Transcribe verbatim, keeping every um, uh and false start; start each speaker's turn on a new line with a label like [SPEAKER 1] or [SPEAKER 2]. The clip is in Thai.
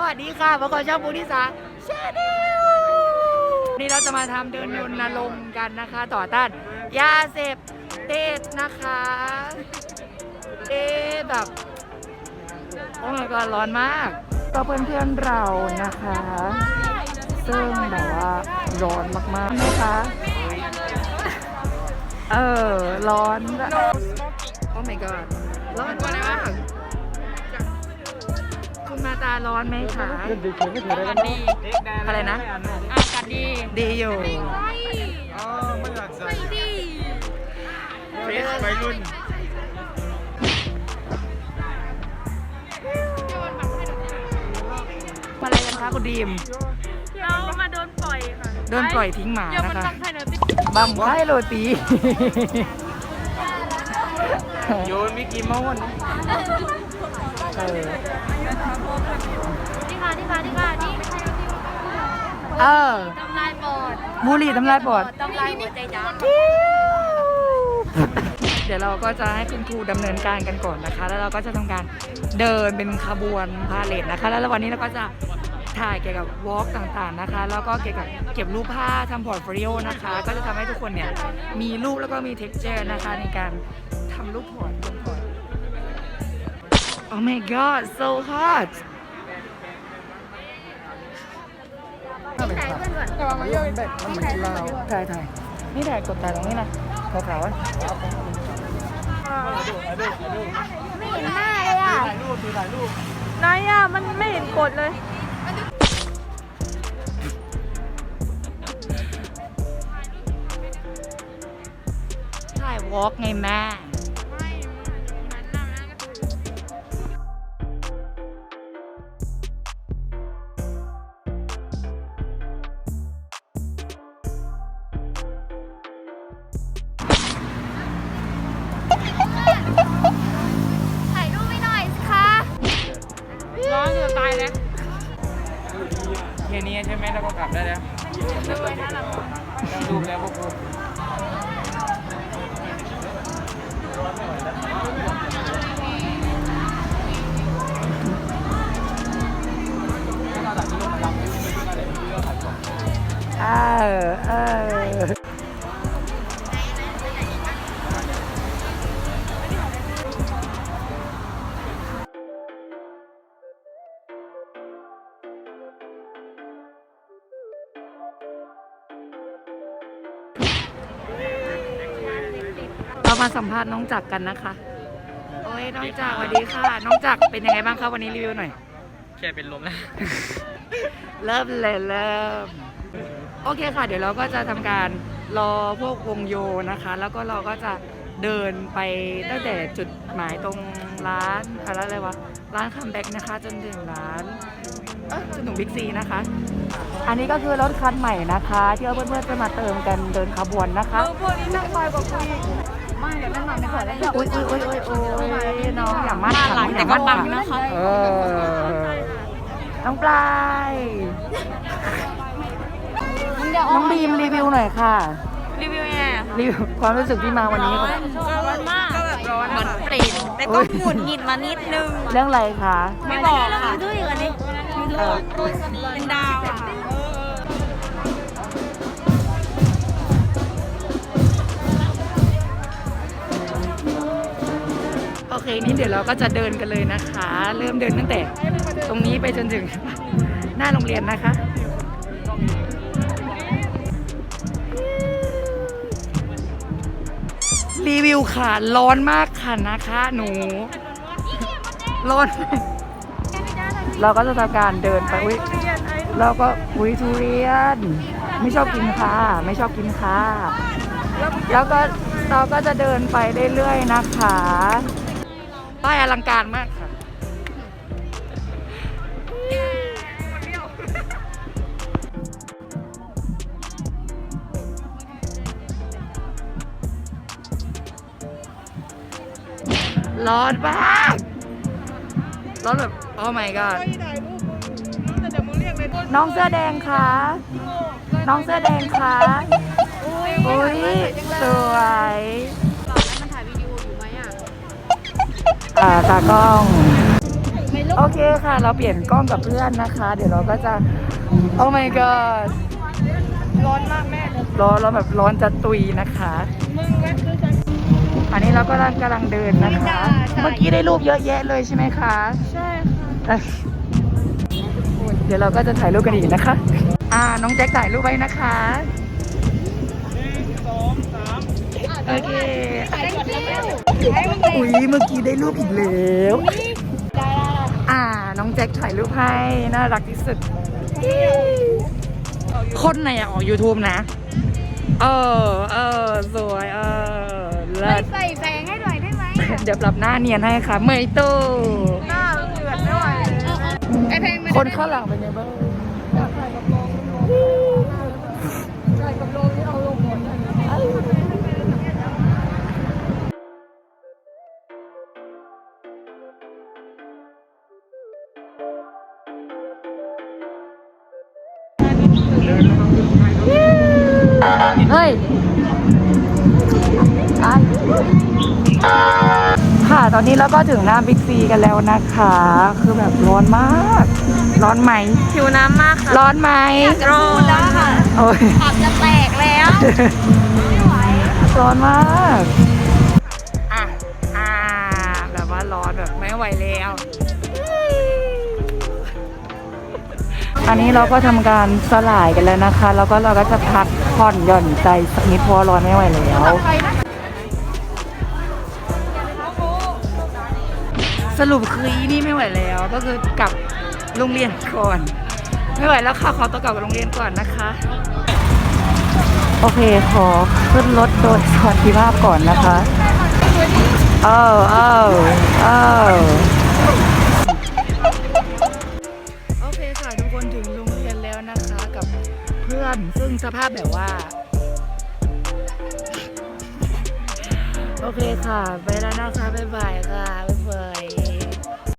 [SPEAKER 1] วัสดีค่ะพบกับช่องบูนิสาชาแนลนี่เราจะมาทำเดินรณรงค์กันนะคะ ต่อต้านยาเสพติดนะคะเอ๊ะแบบโอ้ my god ร้อนมากก็เพื่อนๆเรานะคะ ซึ่งแบบว่าร้อนมากๆนะคะเออร้อนโอ้ my god ร้อนมากคุณมาตาร้อนไหมคะดีอะไรนะอากาศดีดีอยู่อ๋อไม่อยากใส่ดีเฟสวัยรุ่นมาอะไรกันคะคุณดีม
[SPEAKER 2] เรามาโดนปล่อยค่ะ
[SPEAKER 1] โดนปล่อยทิ้งหมานะคะบังไพ่โรตีโยนมิกกี้เมาส์เออ
[SPEAKER 2] นี่ค่ะนี่ค่ะนี่ค่ะนี่
[SPEAKER 1] เออ
[SPEAKER 2] ทำลายปอด
[SPEAKER 1] บุหรี่ทำลายปอด
[SPEAKER 2] ทำลายหัวใจดำ
[SPEAKER 1] เดี๋ยวเราก็จะให้คุณครูดำเนินการกันก่อนนะคะแล้วเราก็จะทำการเดินเป็นขบวนพาเหรดนะคะแล้ววันนี้เราก็จะถ่ายเกี่ยวกับวอล์กต่างๆนะคะแล้วก็เกี่ยวกับเก็บรูปภาพทำพอร์ตโฟลิโอนะคะก็จะทำให้ทุกคนเนี่ยมีรูปแล้วก็มีเท็กเจอร์นะคะในการทำรูปพอร์ตลงพอร์ต Oh my god so hot
[SPEAKER 2] ถ่ายเพื่อนก่อนถ่ายเพื่อนก่อน
[SPEAKER 1] ถ่ายถ่ายนี่ถ่ายกดถ่ายตรงนี้นะขาวๆอ่ะ
[SPEAKER 2] ไม่เห็นหน้าเลยอ่ะถ่ายรูปถ่ายรูปไหนอ่ะมันไม่เห็นกดเลย
[SPEAKER 1] ถ่ายวอล์กไงแม่
[SPEAKER 2] ถ่ายรูปไม่หน่อยสิคะร้อนจะตายเลย
[SPEAKER 1] แค่นี้ใช่ไหมแล้วก็กลับได้แล้วต้องดูแล้วพวกคุณเออเออเรามาสัมภาษณ์น้องจักรกันนะคะโอ้ยน้องจักรสวัสดีค่ะน้องจักรเป็นยังไงบ้างคะวันนี้รีวิวหน่อย
[SPEAKER 3] แค่เป็นลมแล้ว
[SPEAKER 1] เริ่มเลยเริ่มโอเคค่ะเดี๋ยวเราก็จะทำการรอพวกวงโยนะคะแล้วก็เราก็จะเดินไปตั้งแต่จุดหมายตรงร้านอะไรอะไรวะร้านคัมแบ็กนะคะจนถึงร้านเออจนถึงบิ๊กซีนะคะอันนี้ก็คือรถคันใหม่นะคะที่เพื่อนๆจะมาเติมกันเดินขบวนนะคะ
[SPEAKER 2] พวกนี้นั่งคอยกว่าคุยไม่เดี๋ยวนั่งนอนในขวดแล้ว
[SPEAKER 1] อุ้ยอุ้ยอุ้ยอุ้ยอุ้ยน้องอย่ามั่นหลังแต่ก็บังนะคะเออน้องปลายน้องบีมรีวิวหน่อยค่ะ
[SPEAKER 2] รีวิวยังไงอ่ะ
[SPEAKER 1] รีวิวความรู้สึกที่มาวันนี้
[SPEAKER 2] ร้อนมากเหมือนเปรตแต่ก็หงุดหงิดมานิดนึง
[SPEAKER 1] เรื่องอะไรคะ
[SPEAKER 2] ไม่บอกค่ะด้วยกันนี่เป็นดาวอ่ะ
[SPEAKER 1] โอเคนี่เดี๋ยวเราก็จะเดินกันเลยนะคะเริ่มเดินตั้งแต่ตรงนี้ไปจนถึงหน้าโรงเรียนนะคะรีวิวค่ะร้อนมากค่ะนะคะหนูร้อนเราก็จะทำการเดินไปอุ้ยเราก็อุ้ยทุเรียนไม่ชอบกินค่ะไม่ชอบกินค่ะแล้วก็เราก็จะเดินไปเรื่อยๆนะคะป้ายอลังการมากค่ะร้อนมากร้อนแบบโอ้ my god น้องเสื้อแดงคะน้องเสื้อแดงคะอุ้ยสวย
[SPEAKER 2] มันถ่ายวิดีโออยู่ไหมอ่ะ
[SPEAKER 1] อ่าตากล้อง
[SPEAKER 2] ไม่โล
[SPEAKER 1] โอเคค่ะ เราเปลี่ยนกล้องกับเพื่อนนะคะ เดี๋ยวเราก็จะ โอ้ my god
[SPEAKER 2] ร้อนมากแม่
[SPEAKER 1] ร้อนร้อนแบบร้อนจะตุยนะคะ
[SPEAKER 2] มึงแวะซื้อจัน
[SPEAKER 1] อันนี้เราก็กำลังกำลังเดินนะคะ เมื่อกี้ได้รูปเยอะแยะเลยใช่ไหมคะ
[SPEAKER 2] ใช่ค่ะ
[SPEAKER 1] เอ้ยเดี๋ยวเราก็จะถ่ายรูปกันอีกนะคะ อ่า น้องแจ็คถ่ายรูปไว้นะคะ โอเค อุ้ยเมื่อกี้ได้รูปอีกแล้ว อ่า น้องแจ็คถ่ายรูปให้ น่ารักที่สุด คนไหนอะออก YouTube นะ เออ เออ สวย เออเลิ
[SPEAKER 2] ไม่
[SPEAKER 1] ศ
[SPEAKER 2] ใส่แสงให้หน่อยได้ไหม
[SPEAKER 1] เดี๋ยวปรับหน้าเนียนให้ค่ะ เมยตู้
[SPEAKER 2] หน้าเลือดไม่ไหวไอเพลงมัน
[SPEAKER 1] คนข้างหลังเป็นไงบ้าง
[SPEAKER 2] ใส่กับโลงใส่กับโลงที่เอาลงหมด
[SPEAKER 1] เฮ้ยอ่ะค่ะ ตอนนี้เราก็ถึงหน้าบิ๊กซีกันแล้วนะคะ คือแบบร้อนมาก ร้อนไหม
[SPEAKER 2] ผิวน้ำมากค่ะ
[SPEAKER 1] ร้อนไหม
[SPEAKER 2] ร้อนแล้วค่ะ
[SPEAKER 1] โอ้ย
[SPEAKER 2] ขับจะแตกแล้วไม่ไหว
[SPEAKER 1] ร้อนมาก อ่ะ อ่า แบบว่าร้อนแบบไม่ไหวแล้ว อันนี้เราก็ทำการสลายกันแล้วนะคะ แล้วก็เราก็จะพักผ่อนหย่อนใจสักนิดเพราะว่าร้อนไม่ไหวแล้ว สรุปคืออีนี่ไม่ไหวแล้ว ก็คือกลับโรงเรียนก่อน ไม่ไหวแล้วค่ะขอตัวกลับโรงเรียนก่อนนะคะ โอเคขอขึ้นรถโดยสวัสดิภาพก่อนนะคะเออเออเออโอเคค่ะทุกคนถึงโรงเรียนแล้วนะคะกับเพื่อนซึ่งสภาพแบบว่า โอเคค่ะ ไปแล้วนะคะ บ๊ายบายค่ะ บ๊ายบาย